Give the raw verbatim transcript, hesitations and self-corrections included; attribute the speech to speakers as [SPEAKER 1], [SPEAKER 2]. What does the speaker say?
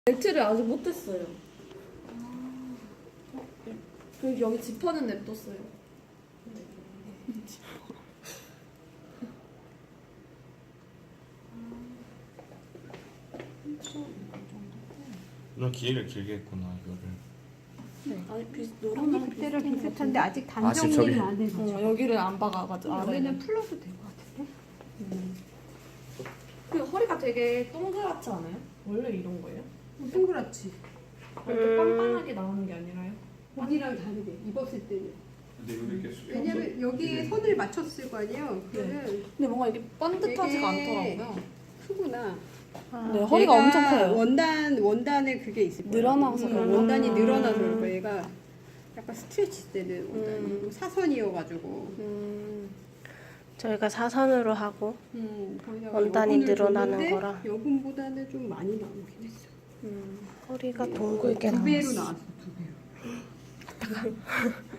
[SPEAKER 1] 벨트를 아직 못했어요. 그리고 여기 지퍼는 냅뒀어요.
[SPEAKER 2] 너 기회를 길게 했구나 이거를.
[SPEAKER 1] 네. 아니 비슷
[SPEAKER 3] 언니
[SPEAKER 1] 노랑
[SPEAKER 3] 그때랑 비슷한데 아직 단
[SPEAKER 2] 아, 지금 저기-
[SPEAKER 3] 정리는 안 해서.
[SPEAKER 1] 어, 여기를 안 박아가지고
[SPEAKER 3] 여기는 풀러도 될 것 같은데?
[SPEAKER 1] 음. 그 허리가 되게 동그랗지 않아요? 원래 이런 거예요?
[SPEAKER 3] 동그랗지.
[SPEAKER 1] 이렇게 빤빤하게 나오는 게 아니라요?
[SPEAKER 3] 언니랑 다르게 입었을 때는.
[SPEAKER 2] 근데 여기 이렇게 수평.
[SPEAKER 3] 왜냐면 여기에 선을 맞췄을 거 아니에요. 그러면
[SPEAKER 1] 근데 뭔가 이게 반듯하지가
[SPEAKER 3] 되게
[SPEAKER 1] 않더라고요.
[SPEAKER 3] 크구나.
[SPEAKER 1] 네, 허리가
[SPEAKER 3] 얘가
[SPEAKER 1] 엄청 커요.
[SPEAKER 3] 원단 원단에 그게 있을 거예요.
[SPEAKER 1] 늘어나서
[SPEAKER 3] 음,
[SPEAKER 1] 그런가?
[SPEAKER 3] 원단이
[SPEAKER 1] 음.
[SPEAKER 3] 늘어나서 그럴 거예요. 얘가 약간 스트레치 되는 원단이
[SPEAKER 1] 음.
[SPEAKER 3] 사선이어가지고.
[SPEAKER 1] 음,
[SPEAKER 4] 저희가 사선으로 하고
[SPEAKER 3] 음, 거기다가
[SPEAKER 4] 원단이
[SPEAKER 3] 여분을
[SPEAKER 4] 늘어나는
[SPEAKER 3] 줬는데
[SPEAKER 4] 거라.
[SPEAKER 3] 여분보다는 좀 많이 나오긴 했어.
[SPEAKER 1] 음.
[SPEAKER 4] 허리가 둥글게
[SPEAKER 3] 두 배로
[SPEAKER 4] 나왔어.
[SPEAKER 3] 나왔어, 두 배로.